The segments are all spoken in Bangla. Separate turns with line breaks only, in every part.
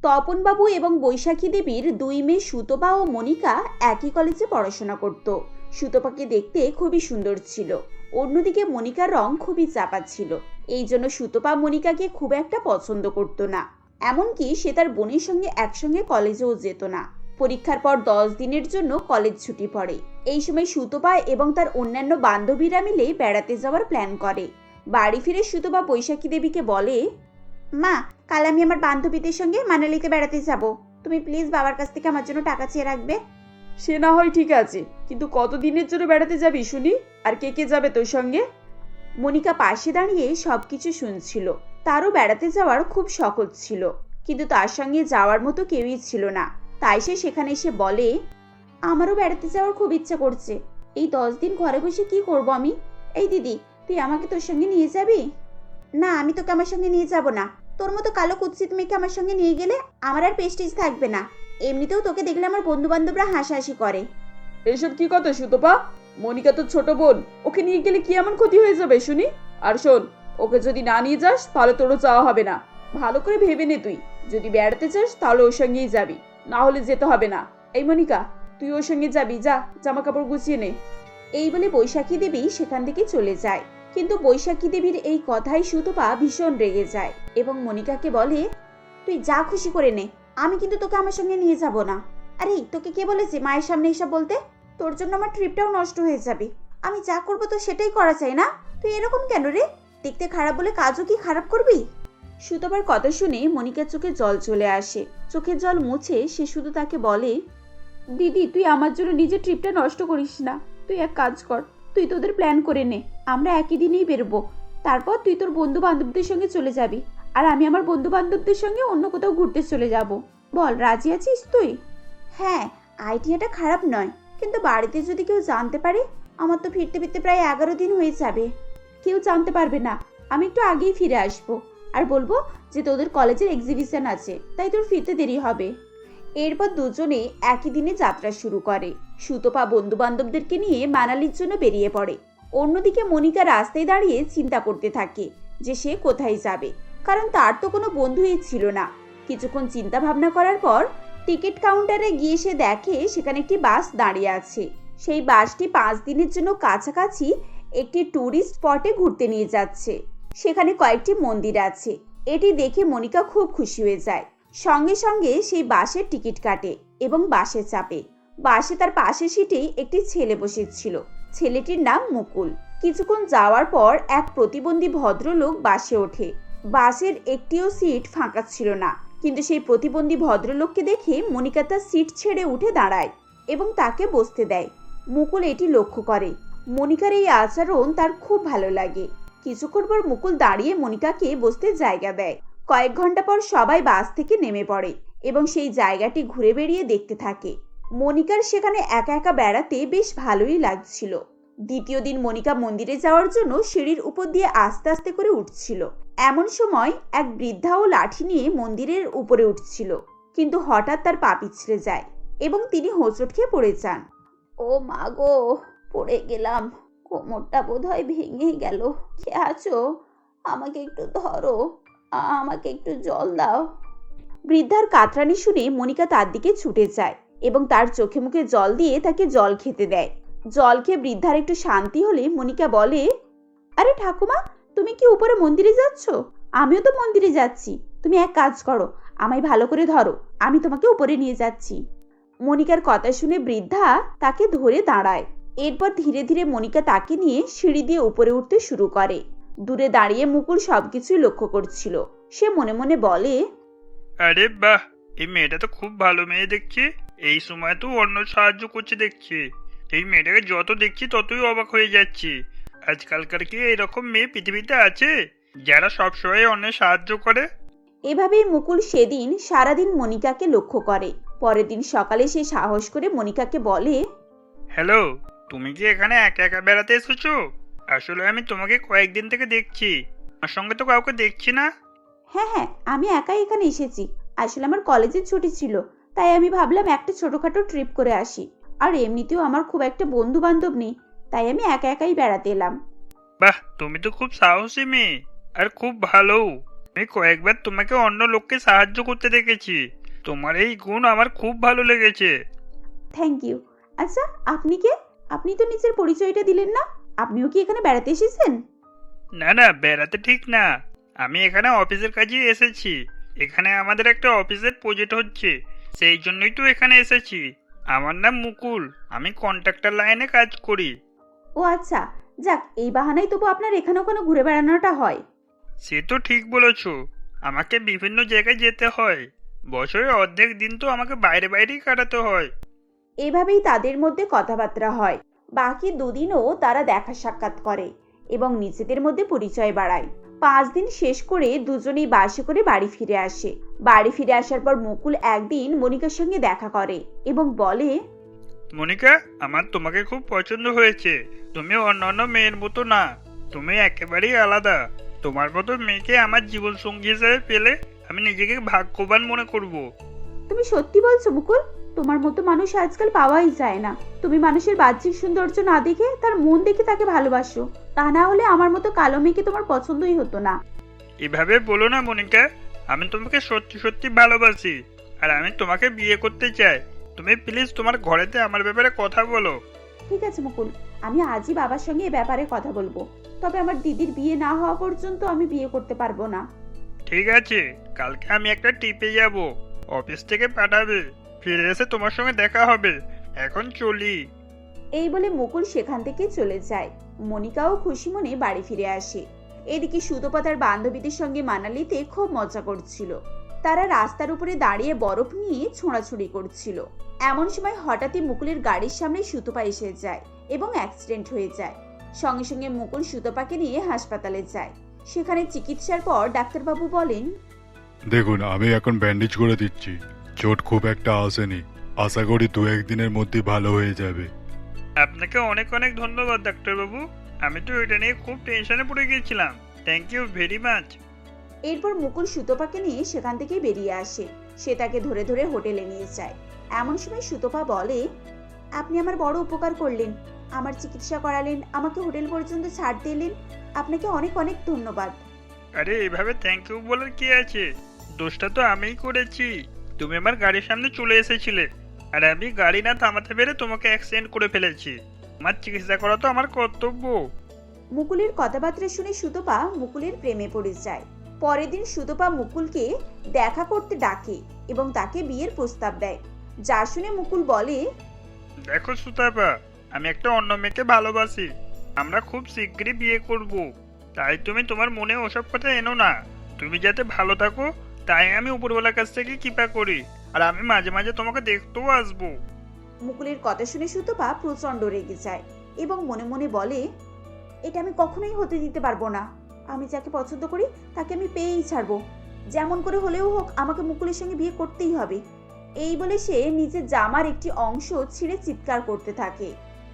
তপনবাবু এবং বৈশাখী দেবীর দুই মেয়ে সুতপা ও মনিকা একই কলেজে পড়াশোনা করত। সুতপাকে দেখতে খুবই সুন্দর ছিল, অন্যদিকে মনিকার রং খুবই চাপা ছিল। এই জন্য সুতপা মনিকাকে খুব একটা পছন্দ করত না। এমনকি সে তার বোনের সঙ্গে একসঙ্গে কলেজেও যেত না। পরীক্ষার পর 10 দিনের জন্য কলেজ ছুটি পড়ে। এই সময় সুতপা এবং তার অন্যান্য বান্ধবীরা মিলে বেড়াতে যাওয়ার প্ল্যান করে। বাড়ি ফিরে সুতপা বৈশাখী দেবীকে বলে, মা, কাল আমি আমার বান্ধবীদের সঙ্গে মানালিতে বেড়াতে যাব। তুমি প্লিজ বাবার কাছ থেকে আমার জন্য টাকা চেয়ে রাখবে।
সে না হয় ঠিক আছে, কিন্তু কতদিনের জন্য বেড়াতে যাবি শুনি? আর কে কে যাবে তোর সঙ্গে?
মনিকা পাশে দাঁড়িয়ে সবকিছু শুনছিল। তারও বেড়াতে যাওয়ার খুব শখ ছিল, কিন্তু তার সঙ্গে যাওয়ার মতো কেউই ছিল না। তাই সে সেখানে এসে বলে, আমারও বেড়াতে যাওয়ার খুব ইচ্ছা করছে। এই 10 দিন ঘরে বসে কি করব আমি? এই দিদি, তুই আমাকে তোর সঙ্গে নিয়ে যাবি? না, আমি তোকে আমার সঙ্গে নিয়ে যাব না। তোর মতো কালো কুৎসিত মেয়েকে আমার সঙ্গে নিয়ে গেলে আমার আর প্রেস্টিজ থাকবে না। এমনিতেও তোকে দেখলে আমার বন্ধু বান্ধবরা হাসাহাসি করে।
এসব কি কথা সুতপা? মনিকা তো ছোট বোন, ওকে নিয়ে গেলে কি এমন ক্ষতি হয়ে যাবে শুনি? আর শোন, ওকে যদি না নিয়ে যাস তাহলে তোরও চাওয়া হবে না। ভালো করে ভেবে নে, তুই যদি বেড়াতে চাস তাহলে ওর সঙ্গেই যাবি, না হলে যেতে হবে না। এই মনিকা, তুই ওর সঙ্গে যাবি, যা জামা কাপড় গুছিয়ে নে।
এই বলে বৈশাখী দেবী সেখান থেকে চলে যায়। কিন্তু বৈশাখী দেবীর এই কথাই সুতপা ভীষণ রেগে যায় এবং মনিকাকে বলে, তুই যা খুশি করে নে, আমি কিন্তু তোকে আমার সঙ্গে নিয়ে যাব না। আরে তোকে কে বলেছে মায়ের সামনে এসব বলতে? তোর জন্য আমার ট্রিপটাও নষ্ট হয়ে যাবে। আমি যা করবো তো সেটাই করা চাই না? তুই এরকম কেন রে? দেখতে খারাপ বলে কাজও কি খারাপ করবি? সুতপার কথা শুনে মনিকার চোখে জল চলে আসে। চোখের জল মুছে সে শুধু তাকে বলে, দিদি, তুই আমার জন্য নিজের ট্রিপটা নষ্ট করিস না। তুই এক কাজ কর, তুই তোদের প্ল্যান করে নে। আমরা একই দিনেই বেরোবো। তারপর তুই তোর বন্ধু বান্ধবদের সঙ্গে চলে যাবি, আর আমি আমার বন্ধু বান্ধবদের সঙ্গে অন্য কোথাও ঘুরতে চলে যাব। বল, রাজি আছিস তুই? হ্যাঁ, আইডিয়াটা খারাপ নয়, কিন্তু বাড়িতে যদি কেউ জানতে পারে? আমার তো ফিরতে ফিরতে প্রায় 11 দিন হয়ে যাবে। কেউ জানতে পারবে না। আমি একটু আগেই ফিরে আসবো আর বলবো যে তোদের কলেজের এক্সিবিশন আছে, তাই তোর ফিরতে দেরি হবে। এরপর দুজনে একই দিনে যাত্রা শুরু করে। সুতপা বন্ধু বান্ধবদেরকে নিয়ে মানালির জন্য বেরিয়ে পড়ে। অন্যদিকে মনিকা রাস্তায় দাঁড়িয়ে চিন্তা করতে থাকে যে সে কোথায় যাবে, কারণ তার তো কোনো বন্ধুই ছিল না। কিছুক্ষণ চিন্তা ভাবনা করার পর টিকিট কাউন্টারে গিয়ে সে দেখে সেখানে একটি বাস দাঁড়িয়ে আছে। সেই বাসটি 5 দিনের জন্য কাছাকাছি একটি ট্যুরিস্ট স্পটে ঘুরতে নিয়ে যাচ্ছে। সেখানে কয়েকটি মন্দির আছে। এটি দেখে মনিকা খুব খুশি হয়ে যায়। সঙ্গে সঙ্গে সেই বাসের টিকিট কাটে এবং বাসে চাপে। বাসে তার পাশের সিটেই একটি ছেলে বসেছিল। ছেলেটির নাম মুকুল। কিছুক্ষণ যাওয়ার পর এক প্রতিবন্ধী ভদ্রলোক বাসে ওঠে। বাসের একটিও সিট ফাঁকা ছিল না, কিন্তু সেই প্রতিবন্ধী ভদ্রলোককে দেখে মনিকা তার সিট ছেড়ে উঠে দাঁড়ায় এবং তাকে বসতে দেয়। মুকুল এটি লক্ষ্য করে। মনিকার এই আচরণ তার খুব ভালো লাগে। কিছুক্ষণ পর মুকুল দাঁড়িয়ে মনিকাকে বসতে জায়গা দেয়। কয়েক ঘন্টা পর সবাই বাস থেকে নেমে পড়ে এবং সেই জায়গাটি ঘুরে বেড়িয়ে দেখতে থাকে। মনিকার সেখানে একা একা বেড়াতে বেশ ভালোই লাগছিল। দ্বিতীয় দিন মনিকা মন্দিরে যাওয়ার জন্য সিঁড়ির উপর দিয়ে আস্তে আস্তে করে উঠছিল। এমন সময় এক বৃদ্ধাও লাঠি নিয়ে মন্দিরের উপরে উঠছিল, কিন্তু হঠাৎ তার পা পিছলে যায় এবং তিনি হোঁচট খেয়ে পড়ে যান। ও মা গো, পড়ে গেলাম, কোমরটা বোধহয় ভেঙে গেল। কে আছো? আমাকে একটু ধরো, আমাকে একটু জল দাও। বৃদ্ধার কাতরানি শুনে মনিকা তার দিকে ছুটে যায় এবং তার চোখে মুখে জল দিয়ে তাকে জল খেতে দেয়। জল খেয়ে বৃদ্ধার একটু শান্তি হলে মনিকা বলে, আরে ঠাকুমা, তুমি কি উপরে মন্দিরে যাচ্ছ? আমিও তো মন্দিরে যাচ্ছি। তুমি এক কাজ করো, আমায় ভালো করে ধরো, আমি তোমাকে উপরে নিয়ে যাচ্ছি। মনিকার কথা শুনে বৃদ্ধা তাকে ধরে দাঁড়ায়। এরপর ধীরে ধীরে মনিকা তাকে নিয়ে সিঁড়ি দিয়ে উপরে উঠতে শুরু করে। দূরে দাঁড়িয়ে মুকুল সবকিছুই লক্ষ্য করছিল। সে মনে মনে বলে,
আরে বাহ, এই মেয়েটা তো খুব ভালো মেয়ে দেখছি। এই সময় তো অন্য সাহায্য করছে দেখছি। এই মেয়েটাকে যত দেখছি ততই অবাক হয়ে যাচ্ছি। আজকালকার কি এরকম মেয়ে পৃথিবীতে আছে যারা সবসময় অন্যের সাহায্য করে?
এভাবেই মুকুল সেদিন সারাদিন মনিকাকে লক্ষ্য করে। পরের দিন সকালে সে সাহস করে মনিকাকে বলে,
হ্যালো, তুমি কি এখানে একা একা বেড়াতে এসেছো? আসলে আমি তোমাকে কয়েকদিন থেকে দেখছি, আমার সঙ্গে তো কাউকে দেখছি না।
হ্যাঁ হ্যাঁ, আমি একাই এখানে এসেছি। আসলে আমার কলেজের ছুটি ছিল, তাই আমি ভাবলাম একটা ছোটখাটো ট্রিপ করে আসি। আর এমনিতেও আমার খুব একটা বন্ধু বান্ধব নেই, তাই আমি একা একাই বেড়াতে এলাম।
বাহ, তুমি তো খুব সাহসী মেয়ে আর খুব ভালো। আমি কয়েকবার তোমাকে অন্য লোককে সাহায্য করতে দেখেছি। তোমার এই গুণ আমার খুব ভালো লেগেছে।
Thank you. আচ্ছা, আপনি কে? আপনি তো নিজের পরিচয়টা দিলেন না। আপনিও কি এখানে বেড়াতে এসেছেন?
না না, বেড়াতে ঠিক না। আমি এখানে অফিসের কাজেই এসেছি। এখানে আমাদের একটা অফিসের প্রজেক্ট হচ্ছে, সেই জন্যই তো এখানে এসেছি। আমার নাম মুকুল, আমি কন্ট্রাক্টর লাইনে কাজ করি।
ও আচ্ছা, যাক, এই বাহানায় তবু আপনার এখানে ওখানে ঘুরে বেড়ানোটা হয়।
সে তো ঠিক বলেছ, আমাকে বিভিন্ন জায়গায় যেতে হয়। বছরের অর্ধেক দিন তো আমাকে বাইরে বাইরেই কাটাতে হয়।
এভাবেই তাদের মধ্যে কথাবার্তা হয়। বাকি দুদিনও তারা দেখা সাক্ষাৎ করে এবং নিজেদের মধ্যে পরিচয় বাড়ায়। 5 দিন শেষ করে দুজনেই বাসে করে বাড়ি ফিরে আসে। বাড়ি ফিরে আসার পর মুকুল একদিন মনিকার সঙ্গে দেখা করে এবং বলে,
মনিকা, আমার তোমাকে খুব পছন্দ হয়েছে। তুমি অন্যান্য মেয়ের মতো না, তুমি একেবারেই আলাদা। তোমার মতো মেয়েকে আমার জীবন সঙ্গী হিসেবে পেলে আমি নিজেকে ভাগ্যবান মনে করব।
তুমি সত্যি বলছো মুকুল? তোমার মতো মানুষ আজকাল পাওয়াই যায় না। তুমি মানুষের বাহ্যিক সৌন্দর্য না দেখে তার মন দেখে তাকে ভালোবাসো। তা না হলে আমার মতো কালো মেয়েকে তোমার পছন্দই হতো না।
এভাবে বলো না মনিকা, আমি তোমাকে সত্যি সত্যি ভালোবাসি, আর আমি তোমাকে বিয়ে করতে চাই। তুমি প্লিজ তোমার ঘরেতে আমার ব্যাপারে কথা বলো।
ঠিক আছে মুকুল, আমি আজই বাবার সঙ্গে এ ব্যাপারে কথা বলবো। তবে আমার দিদির বিয়ে না হওয়া পর্যন্ত আমি বিয়ে করতে পারবো না।
ঠিক আছে, কালকে আমি একটা টিপে যাব, অফিস থেকে পাঠাবে। ফিরে এসে তোমার সঙ্গে দেখা হবে। এখন চলি।
এই বলে মুকুল সেখান থেকে চলে যায়। মনিকাও খুশি মনে বাড়ি ফিরে আসে। এদিকে সুতপা তার বান্ধবীদের সঙ্গে মানালিতে খুব মজা করছিল। তারা রাস্তার উপরে দাঁড়িয়ে বরফ নিয়ে ছোঁড়াছুড়ি করছিল। এমন সময় হঠাৎই মুকুলের গাড়ির সামনে সুতপা এসে যায় এবং অ্যাক্সিডেন্ট হয়ে যায়। সঙ্গে সঙ্গে মুকুল সুতপাকে নিয়ে হাসপাতালে যায়। সেখানে চিকিৎসার পর ডাক্তারবাবু বলেন,
দেখুন, আমি এখন ব্যান্ডেজ করে দিচ্ছি। চোট খুব একটা আসেনি, আশা করি 2-1 দিনের মধ্যে ভালো হয়ে যাবে।
আপনাকে অনেক অনেক ধন্যবাদ ডাক্তারবাবু। আমি তো এটা নিয়ে খুব টেনশনে পড়ে গিয়েছিলাম। Thank you very much.
এরপর মুকুল সুতপাকে নিয়ে সেখান থেকে বেরিয়ে আসে। সে তাকে ধরে ধরে হোটেলে নিয়ে যায়। এমন সময় সুতপা বলে, আপনি আমার বড় উপকার করলেন, আমার চিকিৎসা করালেন, আমাকে হোটেল পর্যন্ত ছাড় দিলেন। আপনাকে অনেক অনেক ধন্যবাদ।
আরে এভাবে থ্যাংক ইউ বলার কি আছে? দোষটা তো আমিই করেছি। তুমি আমার গাড়ির সামনে চলে এসেছিলে, আর আমি গাড়ি না থামাতে পেরে তোমাকে অ্যাক্সিডেন্ট করে ফেলেছি। আমার চিকিৎসা করা তো আমার কর্তব্য।
মুকুলের কথাবার্তা শুনে সুতপা মুকুলের প্রেমে পড়ে যায়। পরের দিন সুতপা মুকুলকে দেখা করতে ডাকে এবং তাকে বিয়ের প্রস্তাব দেয়। যা শুনে মুকুল বলে,
দেখো সুতাপা, আমি একটা অন্য মেয়েকে ভালোবাসি। আমরা খুব শীঘ্রই বিয়ে করব। তাই তুমি তোমার মনে ওসব কথা এনো না। তুমি যাতে ভালো থাকো, তাই আমি উপরওয়ালার কাছ থেকে কৃপা করি। আর আমি মাঝে মাঝে তোমাকে দেখতেও আসবো।
মুকুলের কথা শুনে সুতপা প্রচন্ড রেগে যায় এবং মনে মনে বলে, এটা আমি কখনোই হতে দিতে পারবো না। আমি যাকে পছন্দ করি তাকে আমি পেয়েই ছাড়বো। যেমন করে হলেও হোক আমাকে মুকুলের সঙ্গে বিয়ে করতেই হবে। এই বলে সে নিজের জামার একটি অংশ ছিঁড়ে চিৎকার করতে থাকে,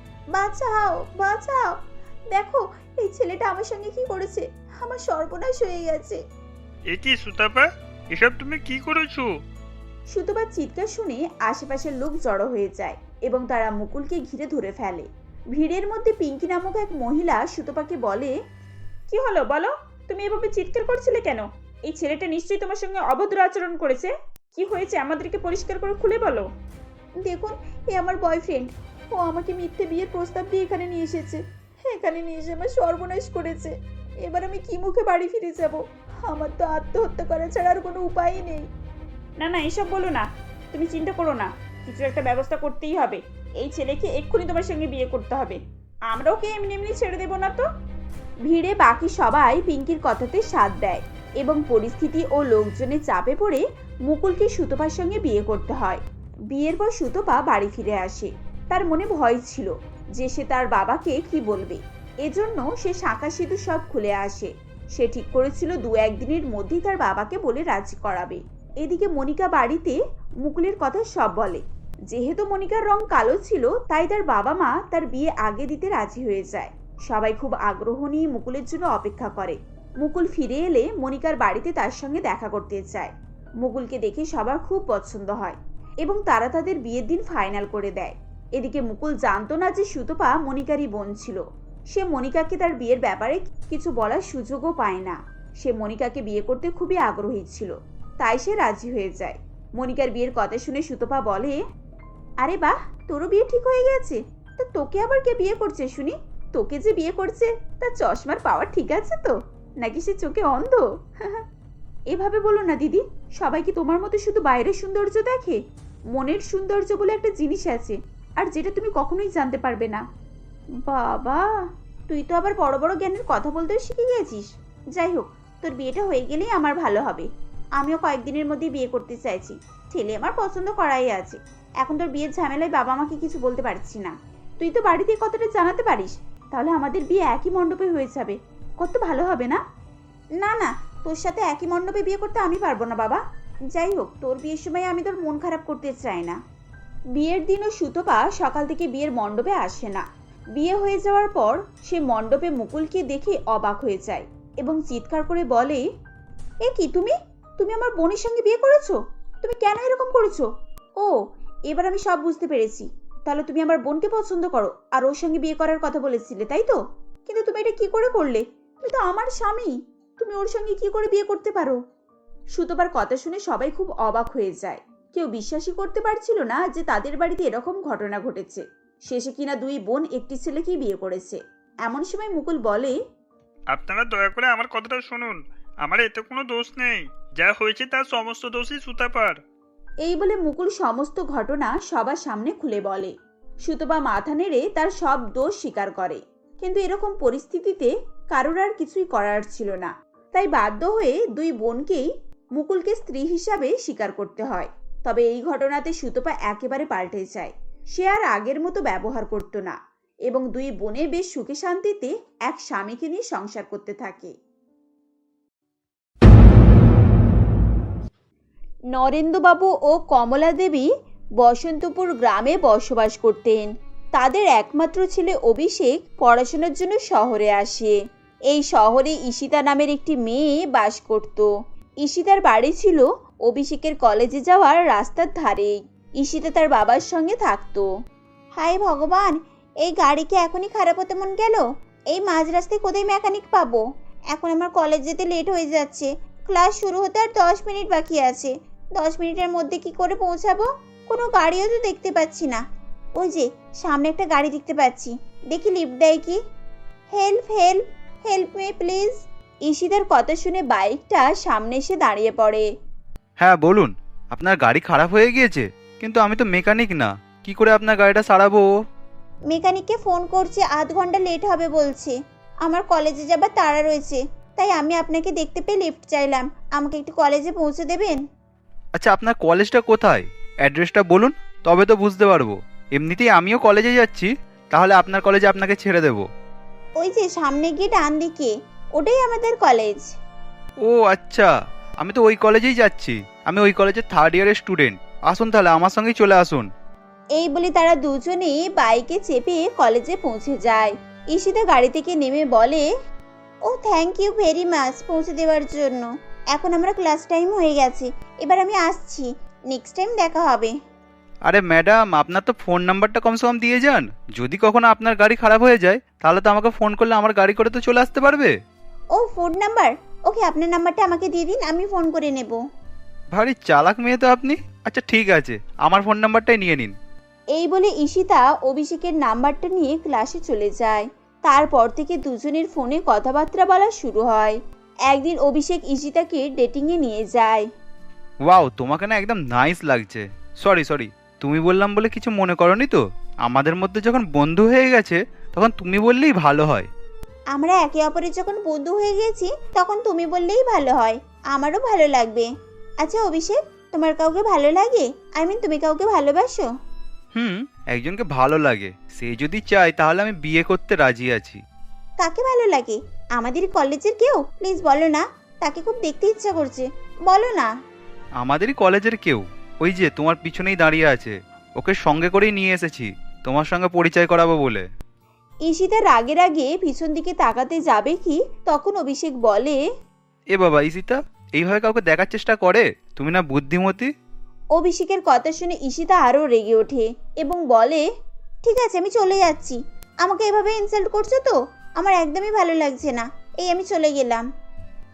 বাঁচাও বাঁচাও, দেখো এই ছেলেটা আমার সঙ্গে কি করেছে, আমার সর্বনাশ হয়ে গেছে।
এ কি সুতাপা, এসব তুমি কি করেছো?
সুতপার চিৎকার শুনে আশেপাশের লোক জড়ো হয়ে যায় এবং তারা মুকুলকে ঘিরে ধরে ফেলে। ভিড়ের মধ্যে পিঙ্কি নামক এক মহিলা সুতপাকে বলে, কি হলো বলো, তুমি এভাবে চিৎকার করছিলে কেন? এই ছেলেটা নিশ্চয়ই তোমার সঙ্গে অভদ্র আচরণ করেছে। কি হয়েছে আমাদেরকে পরিষ্কার করে খুলে বলো। দেখুন, এ আমার বয়ফ্রেন্ড। ও আমাকে মিথ্যে বিয়ের প্রস্তাব দিয়ে এখানে নিয়ে এসেছে। এখানে নিয়ে এসে আমার সর্বনাশ করেছে। এবার আমি কি মুখে বাড়ি ফিরে যাব? আমার তো আত্মহত্যা করা ছাড়া আর কোনো উপায়ই নেই। না না, এসব বলো না, তুমি চিন্তা করো না, কিছু একটা ব্যবস্থা করতেই হবে। এই ছেলেকে এক্ষুনি তোমার সঙ্গে বিয়ে করতে হবে। আমরা ওকে এমনি এমনি ছেড়ে দেবো না তো। ভিড়ে বাকি সবাই পিঙ্কির কথাতে সাথ দেয় এবং পরিস্থিতি ও লোকজনের চাপে পড়ে মুকুলকে সুতপার সঙ্গে বিয়ে করতে হয়। বিয়ের পর সুতপা বাড়ি ফিরে আসে। তার মনে ভয় ছিল যে সে তার বাবাকে কি বলবে। এজন্য সে শাঁখা সিঁদুর সব খুলে আসে। সে ঠিক করেছিল 2-1 দিনের মধ্যেই তার বাবাকে বলে রাজি করাবে। এদিকে মনিকা বাড়িতে মুকুলের কথা সব বলে। যেহেতু মনিকার রং কালো ছিল, তাই তার বাবা মা তার বিয়ে আগে দিতে রাজি হয়ে যায়। সবাই খুব আগ্রহ নিয়ে মুকুলের জন্য অপেক্ষা করে। মুকুল ফিরে এলে মনিকার বাড়িতে তার সঙ্গে দেখা করতে চায়। মুকুলকে দেখে সবার খুব পছন্দ হয় এবং তারা তাদের বিয়ের দিন ফাইনাল করে দেয়। এদিকে মুকুল জানতো না যে সুতপা মনিকারই বোন ছিল। সে মনিকাকে তার বিয়ের ব্যাপারে কিছু বলার সুযোগও পায় না। সে মনিকাকে বিয়ে করতে খুবই আগ্রহী ছিল, তাই সে রাজি হয়ে যায়। মনিকার বিয়ের কথা শুনে সুতপা বলে, আরে বাহ, তোরও বিয়ে ঠিক হয়ে গেছে। তা তোকে আবার কে বিয়ে করছে শুনি? তোকে যে বিয়ে করছে তার চশমার পাওয়ার ঠিক আছে তো, নাকি সে চোখে অন্ধ? এভাবে বলো না দিদি, সবাই কি তোমার মতো শুধু বাইরের সৌন্দর্য দেখে? মনের সৌন্দর্য বলে একটা জিনিস আছে, আর যেটা তুমি কখনোই জানতে পারবে না। বাবা, তুই তো আবার বড় বড় জ্ঞানের কথা বলতেও শিখে গেছিস। যাই হোক, তোর বিয়েটা হয়ে গেলেই আমার ভালো হবে। আমিও কয়েকদিনের মধ্যে বিয়ে করতে চাইছি। ছেলে আমার পছন্দ করাই আছে। এখন তোর বিয়ের ঝামেলায় বাবা মাকে কিছু বলতে পারছি না। তুই তো বাড়িতে কথাটা জানাতে পারিস, তাহলে আমাদের বিয়ে একই মণ্ডপে হয়ে যাবে। কত ভালো হবে না? না না, তোর সাথে একই মণ্ডপে বিয়ে করতে আমি পারবো না বাবা। যাই হোক, তোর বিয়ের সময় আমি তোর মন খারাপ করতে চাই না। বিয়ের দিনও সুতপা সকাল থেকে বিয়ের মণ্ডপে আসে না। বিয়ে হয়ে যাওয়ার পর সে মণ্ডপে মুকুলকে দেখে অবাক হয়ে যায় এবং চিৎকার করে বলে, এ কি, তুমি তুমি আমার বোনের সঙ্গে বিয়ে করেছো? তুমি কেন এরকম করেছো? ও, এবার আমি সব বুঝতে পেরেছি। তাহলে তুমি আমার বোনকে পছন্দ করো আর ওর সঙ্গে বিয়ে করার কথা বলেছিলে, তাই তো? কিন্তু তুমি এটা কি করে করলে? তুমি তো আমার স্বামী, তুমি ওর সঙ্গে কি করে বিয়ে করতে পারো? সুতপার কথা শুনে সবাই খুব অবাক হয়ে যায়। কেউ বিশ্বাসই করতে পারছিল না যে তাদের বাড়িতে এরকম ঘটনা ঘটেছে। শেষে কিনা দুই বোন একটি ছেলেকেই বিয়ে করেছে। এমন সময় মুকুল বলে,
আপনারা দয়া করে আমার কথাটা শুনুন। আমার এতে কোনো দোষ নেই। যা হয়েছে তার সমস্ত দোষই সুতাপার।
এই বলে মুকুল সমস্ত ঘটনা সবার সামনে খুলে বলে। সুতপা মাথা নেড়ে তার সব দোষ স্বীকার করে। কিন্তু এরকম পরিস্থিতিতে কারোর আর কিছুই করার ছিল না, তাই বাধ্য হয়ে দুই বোনকেই মুকুলকে স্ত্রী হিসাবে স্বীকার করতে হয়। তবে এই ঘটনাতে সুতপা একেবারে পাল্টে যায়। সে আর আগের মতো ব্যবহার করত না এবং দুই বোনে বেশ সুখে শান্তিতে এক স্বামীকে নিয়ে সংসার করতে থাকে। নরেন্দ্রবাবু ও কমলা দেবী বসন্তপুর গ্রামে বসবাস করতেন। তাদের একমাত্র ছেলে অভিষেক পড়াশোনার জন্য শহরে আসে। এই শহরে ঈশিতা নামের একটি মেয়ে বাস করত। ঈশিতার বাড়ি ছিল অভিষেকের কলেজে যাওয়ার রাস্তার ধারেই। ঈশিতা তার বাবার সঙ্গে থাকতো। হায় ভগবান, এই গাড়ি কি এখনই খারাপ হতে মন গেল? এই মাঝ রাস্তায় কোথায় মেকানিক পাবো? এখন আমার কলেজ যেতে লেট হয়ে যাচ্ছে। ক্লাস শুরু হতে আর 10 মিনিট বাকি আছে। 10 মিনিটের মধ্যে কি করে পৌঁছাবো? কোনো গাড়িও তো দেখতে পাচ্ছি না। ওই যে সামনে একটা গাড়ি দেখতে পাচ্ছি, দেখি লিফট দেয় কি। Help help help me please. ঈশিতার কথা শুনে বাইকটা সামনে এসে দাঁড়িয়ে পড়ে।
হ্যাঁ বলুন, আপনার গাড়ি খারাপ হয়ে গিয়েছে, কিন্তু আমি তো মেকানিক না, কি করে আপনার গাড়িটা সারাবো?
মেকানিককে ফোন করছে, আধ ঘন্টা লেট হবে বলছে। আমার কলেজে যাবার তাড়া রয়েছে, তাই আমি আপনাকে দেখতে পেয়ে লিফট চাইলাম। আমাকে একটু কলেজে পৌঁছে দেবেন?
আচ্ছা, আপনার কলেজটা কোথায়? অ্যাড্রেসটা বলুন, তবে তো বুঝতে পারবো। এমনিতেই আমিও কলেজে যাচ্ছি, তাহলে আপনার কলেজে আপনাকে ছেড়ে দেবো।
ওই যে সামনে গিয়ে ডান দিকে, ওটাই আমাদের কলেজ।
ও আচ্ছা, আমি তো ওই কলেজেই যাচ্ছি। আমি ওই কলেজের 3rd ইয়ারের স্টুডেন্ট। আসুন তাহলে, আমার সঙ্গেই চলে আসুন।
এই বলে তারা দুজনেই বাইকে চেপে কলেজে পৌঁছে যায়। ঈশিতা গাড়ি থেকে নেমে বলে, oh thank you very much পৌঁছে দেওয়ার জন্য। এখন আমরা ক্লাস টাইম হয়ে গেছে, এবার আমি আসছি। নেক্সট টাইম দেখা হবে।
আরে ম্যাডাম, আপনার তো ফোন নাম্বারটা কমসে কম দিয়ে যান। যদি কখনো আপনার গাড়ি খারাপ হয়ে যায়, তাহলে তো আমাকে ফোন করলে আমার গাড়ি করে তো চলে আসতে পারবে।
ও ফোন নাম্বার? ওকে, আপনার নাম্বারটা আমাকে দিয়ে দিন, আমি ফোন করে নেব।
ভারী চালাক মেয়ে তো আপনি। আচ্ছা ঠিক আছে, আমার ফোন নাম্বারটাই নিয়ে নিন।
এই বলে ঈশিতা অভিষেকের নাম্বারটা নিয়ে ক্লাসে চলে যায়। তারপর থেকে দুজনের ফোনে কথাবার্তা বলা শুরু হয়। একদিন অভিষেক ঈশিতাকে ডেটিংয়ে নিয়ে যায়।
ওয়াও, তোমাকে না একদম নাইস লাগছে। সরি, তুমি বললাম বলে কিছু মনে করনি তো? আমাদের মধ্যে যখন বন্ধু হয়ে গেছে, তখন তুমি বললেই ভালো হয়।
আমরা একে অপরের যখন বন্ধু হয়ে গেছি, তখন তুমি বললেই ভালো হয়। আমারও ভালো লাগবে। আচ্ছা অভিষেক, তোমার কাউকে ভালো লাগে? তুমি কাউকে ভালোবাসো?
একজনকে ভালো লাগে, সে যদি চায় তাহলে আমি বিয়ে করতে রাজি আছি।
কাকে ভালো লাগে? আমাদের কলেজের কেউ? প্লিজ বলো না, তাকে খুব দেখতে ইচ্ছা করছে, বলো না।
আমাদেরই কলেজের কেউ, ওই যে তোমার পিছনেই দাঁড়িয়ে আছে। ওকে সঙ্গে করেই নিয়ে এসেছি তোমার সঙ্গে পরিচয় করাবো বলে।
ঈশিতা রাগে রাগে পিছন দিকে তাকাতে যাবে কি, তখন অভিষেক বলে,
এ বাবা ঈশিতা, এইভাবে কাউকে দেখার চেষ্টা করে? তুমি না বুদ্ধিমতী।
অভিষেকের কথা শুনে ঈশিতা আরো রেগে ওঠে এবং বলে, ঠিক আছে আমি চলে যাচ্ছি। আমাকে এভাবে ইনসাল্ট করছো তো? আমার একদমই ভালো লাগছে না। এই আমি চলে গেলাম।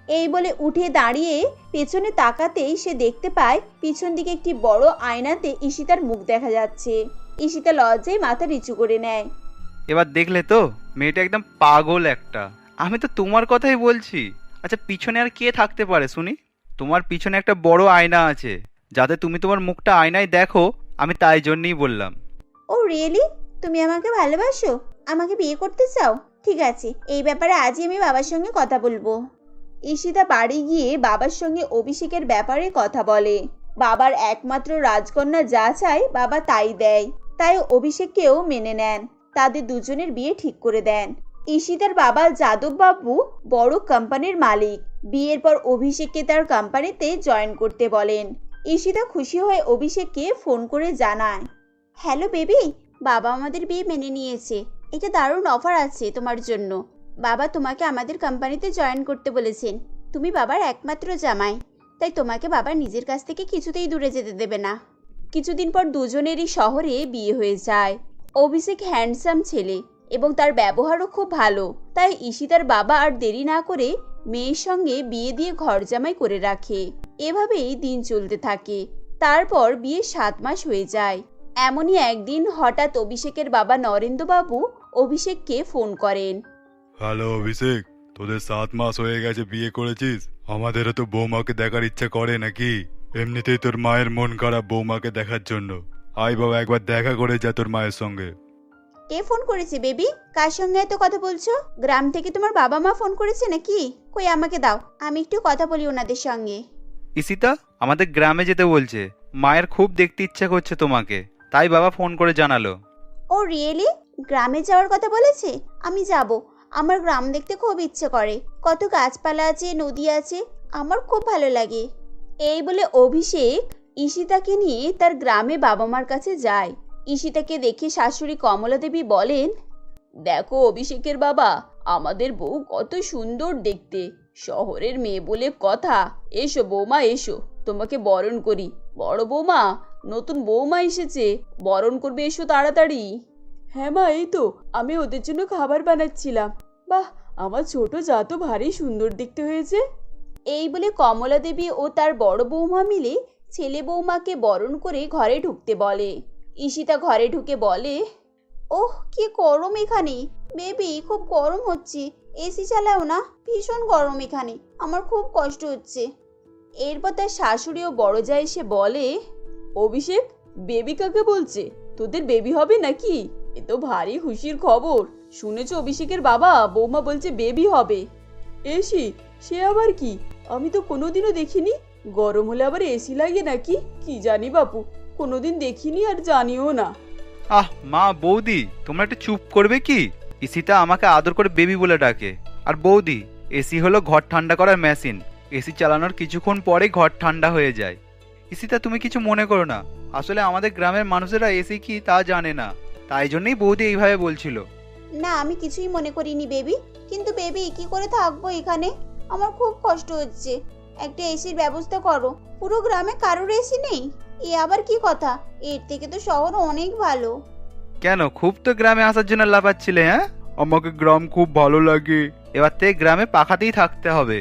এই বলে উঠে দাঁড়িয়ে পেছনে তাকাতেই সে দেখতে পায় পিছন দিকে একটি বড় আয়নাতে ঈশিতার মুখ দেখা যাচ্ছে। ঈশিতা লজ্জায় মাথা নিচু করে নেয়।
এবার দেখলে তো, মেয়েটা একদম পাগল একটা। আমি তো তোমার কথাই বলছি। আচ্ছা, পিছনে আর কে থাকতে পারে শুনি? তোমার পিছনে একটা বড় আয়না আছে, যাতে তুমি তোমার মুখটা আয়নায় দেখো। আমি তাই জন্যই বললাম।
Oh really? তুমি আমাকে ভালোবাসো? আমাকে বিয়ে করতে চাও? ঠিক আছে, এই ব্যাপারে আজই আমি বাবার সঙ্গে কথা বলবো। ঈশিতা বাড়ি গিয়ে বাবার সঙ্গে অভিষেকের ব্যাপারে কথা বলে। বাবার একমাত্র রাজকন্যা যা চায় বাবা তাই দেয়, তাই অভিষেককেও মেনে নেন। তাদের দুজনের বিয়ে ঠিক করে দেন। ঈশিতার বাবা যাদব বাবু বড় কোম্পানির মালিক। বিয়ের পর অভিষেককে তার কোম্পানিতে জয়েন করতে বলেন। ঈশিতা খুশি হয়ে অভিষেককে ফোন করে জানায়, হ্যালো বেবি, বাবা আমাদের বিয়ে মেনে নিয়েছে। এটা দারুণ অফার আছে তোমার জন্য। বাবা তোমাকে আমাদের কোম্পানিতে জয়েন করতে বলেছেন। তুমি বাবার একমাত্র জামাই, তাই তোমাকে বাবা নিজের কাছ থেকে কিছুতেই দূরে যেতে দেবে না। কিছুদিন পর দুজনেরই শহরে বিয়ে হয়ে যায়। অভিষেক হ্যান্ডসাম ছেলে এবং তার ব্যবহারও খুব ভালো, তাই ঈশিতার বাবা আর দেরি না করে মেয়ের সঙ্গে বিয়ে দিয়ে ঘর জামাই করে রাখে। এভাবেই দিন চলতে থাকে। তারপর বিয়ে 7 মাস হয়ে যায়। এমনই একদিন হঠাৎ অভিষেকের বাবা নরেন্দ্রবাবু অভিষেককে ফোন করেন।
হ্যালো অভিষেক, তোদের 7 মাস হয়ে গেছে বিয়ে করেছিস। আমাদেরও তো বৌমাকে দেখার ইচ্ছা করে নাকি? এমনিতেই তোর মায়ের মন খারাপ বৌমাকে দেখার জন্য। আয় বাবা, একবার দেখা করে যা তোর মায়ের সঙ্গে।
কে ফোন করেছে বেবি? কার সঙ্গে এত কথা বলছো? গ্রাম থেকে তোমার বাবা মা ফোন করেছে নাকি? কই আমাকে দাও, আমি একটু কথা বলি ওনাদের সঙ্গে।
ঈশিতা আমাদের গ্রামে যেতে বলছে। মায়ের খুব দেখতে ইচ্ছা করছে তোমাকে, তাই বাবা ফোন করে জানালো।
Oh really? গ্রামে যাওয়ার কথা বলেছে? আমি যাব। আমার গ্রাম দেখতে খুব ইচ্ছে করে। কত গাছপালা আছে, নদী আছে, আমার খুব ভালো লাগে। এই বলে অভিষেক ঈশিতাকে নিয়ে তার গ্রামে বাবা মার কাছে যায়। ঈশিতাকে দেখে শাশুড়ি কমলা দেবী বলেন, দেখো অভিষেকের বাবা, আমাদের বউ কত সুন্দর দেখতে। শহরের মেয়ে বলে কথা। এসো বৌমা এসো, তোমাকে বরণ করি। বড় বৌমা, নতুন বৌমা এসেছে, বরণ করবে, এসো তাড়াতাড়ি।
হ্যাঁ মা, এই তো আমি ওদের জন্য খাবার বানাচ্ছিলাম। বাহ, আমার ছোট যা তো ভারী সুন্দর দেখতে হয়েছে।
এই বলে কমলা দেবী ও তার বড় বৌমা মিলে ছেলে বৌমাকে বরণ করে ঘরে ঢুকতে বলে। ঈশিতা ঘরে ঢুকে বলে, ওহ কি গরম এখানে। বেবি খুব গরম হচ্ছে, এসি চালাও না, ভীষণ গরম এখানে, আমার খুব কষ্ট হচ্ছে। এরপর তার শাশুড়ি ও বড় যা এসে বলে,
অভিষেক, বেবি কাকে বলছে? তোদের বেবি হবে নাকি? এ তো ভারী খুশির খবর। শুনেছ অভিষেকের বাবা বৌমা বলছে বেবি হবে। এসি? সে আবার কি? আমি তো কোনোদিনও দেখিনি। গরম হলে আবার এসি লাগে নাকি? কি জানি বাপু, কোনোদিন দেখিনি আর জানিও না।
আহ মা, বৌদি তোমরা একটু চুপ করবে কি? ঈশিতা আমাকে আদর করে বেবি বলে ডাকে। আর বৌদি, এসি হলো ঘর ঠান্ডা করার মেশিন। এসি চালানোর কিছুক্ষণ পরেই ঘর ঠান্ডা হয়ে যায়। ঈশিতা তুমি কিছু মনে করো না, আসলে আমাদের গ্রামের মানুষেরা এসি কি তা জানে না, তাই জন্যই বৌদি এইভাবে বলছিল।
না আমি কিছুই মনে করিনি বেবি, কিন্তু বেবি কি করে থাকবো এখানে? আমার খুব কষ্ট হচ্ছে। একটা এসির ব্যবস্থা করো। পুরো গ্রামে কারোর এসি নেই? এ আবার কি কথা? এর থেকে তো শহর অনেক ভালো।
কেন, খুব তো গ্রামে আসার জন্য লাফাচ্ছিলে? হ্যাঁ, আমাকে গ্রাম খুব ভালো লাগে। এবার থেকে গ্রামে পাখাতেই থাকতে হবে।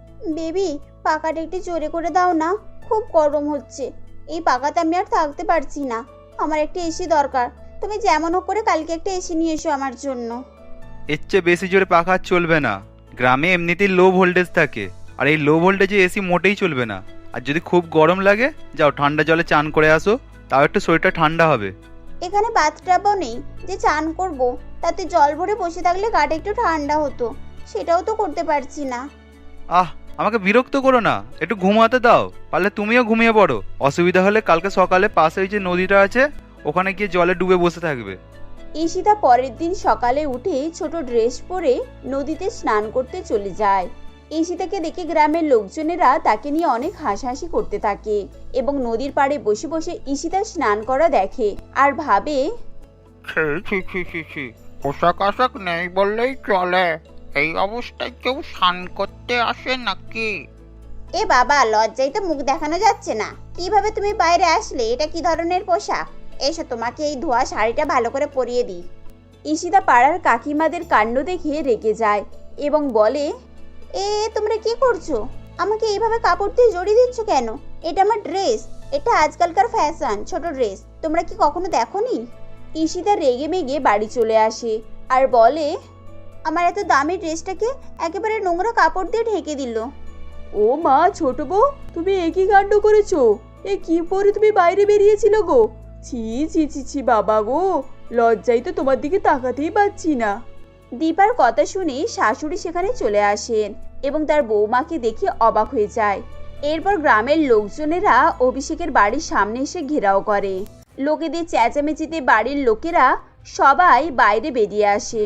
বেবি পাখাটা একটু জোরে করে দাও না, খুব গরম হচ্ছে। এই পাখাতে আমি আর থাকতে পারছি না, আমার একটা এসি দরকার। তুমি যেমন হোক করে কালকে একটা এসি নিয়ে এসো আমার জন্য।
এর চেয়ে বেশি জোরে পাখা চলবে না। গ্রামে এমনিতেই লো ভোল্টেজ থাকে, আর এই লো ভোল্টেজে এসি মোটেই চলবে না। আর যদি খুব গরম লাগে, যাও ঠান্ডা জলে চান করে আসো, তাও একটু শরীরটা ঠান্ডা হবে।
এখানে বাথটাবও নেই যে চান করব, তাতে জল ভরে বসে থাকলে গাটা একটু ঠান্ডা হতো, সেটাও তো করতে পারছি না।
আহ, আমাকে বিরক্ত করো না, একটু ঘুমাতে দাও। পারলে তুমিও ঘুমিয়ে পড়ো। অসুবিধা হলে কালকে সকালে পাশে ওই যে নদীটা আছে, ওখানে গিয়ে জলে ডুবে বসে থাকবে।
ঈশিতা পরের দিন সকালে উঠে ছোট ড্রেস পরে নদীতে স্নান করতে চলে যায়। ঈশিতাকে দেখে গ্রামের লোকজনেরা তাকে নিয়ে অনেক হাসাহাসি করতে থাকে এবং নদীর পাড়ে বসে বসে ঈশিতা স্নান করা দেখে আর ভাবে,
পোশাক আশাক নেই বললেই চলে, এই অবস্থায় কেউ স্নান করতে আসে নাকি?
এ বাবা, লজ্জায় তো মুখ দেখানো যাচ্ছে না। কিভাবে তুমি বাইরে আসলে? এটা কি ধরনের পোশাক? এসো তোমাকে এই ধোয়া শাড়িটা ভালো করে পরিয়ে দিই। ঈশিতা পাড়ার কাকিমাদের কাণ্ড দেখে রেগে যায় এবং বলে, তোমরা কি করছো? আমাকে এইভাবে কাপড় দিয়ে জড়িয়ে দিচ্ছ কেন? এটা আমার ড্রেস, এটা আজকালকার ফ্যাশন, ছোট ড্রেস। তোমরা কি কখনো দেখোনি? ঈশিতা রেগে মেগে বাড়ি চলে আসে আর বলে, আমার এত দামি ড্রেসটাকে একেবারে নোংরা কাপড় দিয়ে ঢেকে দিল।
ও মা, ছোট বউ, তুমি একই কাণ্ড করেছো? এ কি পরে তুমি বাইরে বেরিয়েছিল গো? ছি ছি ছি ছি বাবা গো, লজ্জায় তো তোমার দিকে তাকাতেই পাচ্ছি না।
দীপার কথা শুনে শাশুড়ি সেখানে চলে আসেন এবং তার বৌমাকে দেখে অবাক হয়ে যায়। এরপর গ্রামের লোকজনেরা অভিষেকের বাড়ির সামনে এসে ঘেরাও করে। লোকেদের চেঁচামেচিতে বাড়ির লোকেরা সবাই বাইরে বেরিয়ে আসে।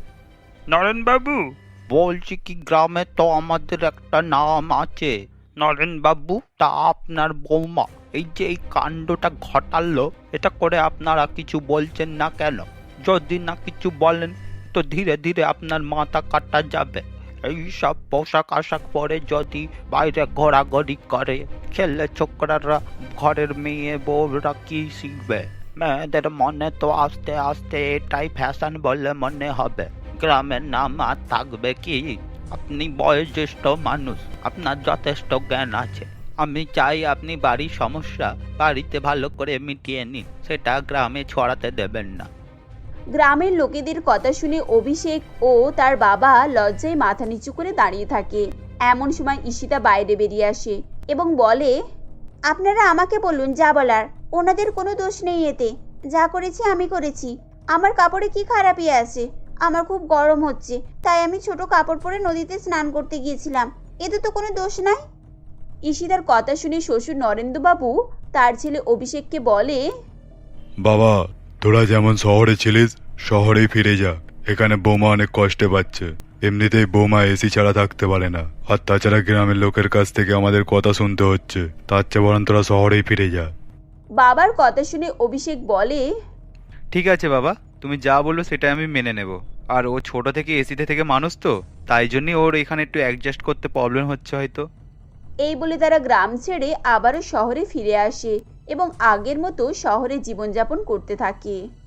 নরেন বাবু,
বলছি কি, গ্রামে তো আমাদের একটা নাম আছে। নরেন বাবু, তা আপনার বৌমা এই যে এই কাণ্ডটা ঘটালো, এটা করে আপনারা কিছু বলছেন না কেন? যদি না কিছু বলেন তো ধীরে ধীরে আপনার মাথা কাটা যাবে। এই সব পোশাক আশাক পরে যদি বাইরে ঘোরাঘুরি করে, ছেলে ছোকরারা, ঘরের মেয়ে বউরা কি শিখবে? মেয়েদের মনে তো আস্তে আস্তে এটাই ফ্যাশন বলে মনে হবে। গ্রামের নাম আর থাকবে কি? আপনি বয়োজ্যেষ্ঠ মানুষ, আপনার যথেষ্ট জ্ঞান আছে। আমি চাই আপনি বাড়ির সমস্যা বাড়িতে ভালো করে মিটিয়ে নিন, সেটা গ্রামে ছড়াতে দেবেন না।
গ্রামের লোকেদের কথা শুনে অভিষেক ও তার বাবা লজ্জায় মাথা নিচু করে দাঁড়িয়ে থাকে। এমন সময় ঈশিতা বাইরে বেরিয়ে আসে এবং বলে, আপনারা আমাকে বলুন যা বলার, ওনাদের কোনো দোষ নেই এতে। যা করেছি আমি করেছি। আমার কাপড়ে কি খারাপই আছে? আমার খুব গরম হচ্ছে, তাই আমি ছোট কাপড় পরে নদীতে স্নান করতে গিয়েছিলাম। এতে তো কোনো দোষ নাই। ঈশিতার কথা শুনে শ্বশুর নরেন্দ্রবাবু তার ছেলে অভিষেককে বলে,
বাবা, তোরা যেমন শহরে ছিলিস শহরেই ফিরে যা। এখানে বৌমা অনেক কষ্টে পাচ্ছে। এমনিতেই বৌমা এসি ছাড়া থাকতে পারে না, আর তাছাড়া গ্রামের লোকের কাছ থেকে আমাদের কথা শুনতে হচ্ছে। তার চেয়ে বরং তোরা শহরেই ফিরে যা।
বাবার কথা শুনে অভিষেক বলে,
ঠিক আছে বাবা, তুমি যা বললো সেটা আমি মেনে নেব। আর ও ছোট থেকে এসিতে থেকে মানুষ তো, তাই জন্যই ওর এখানে একটু অ্যাডজাস্ট করতে প্রবলেম হচ্ছে হয়তো।
এই বলে তারা গ্রাম ছেড়ে আবারও শহরে ফিরে আসে এবং আগের মতো শহরে জীবনযাপন করতে থাকে।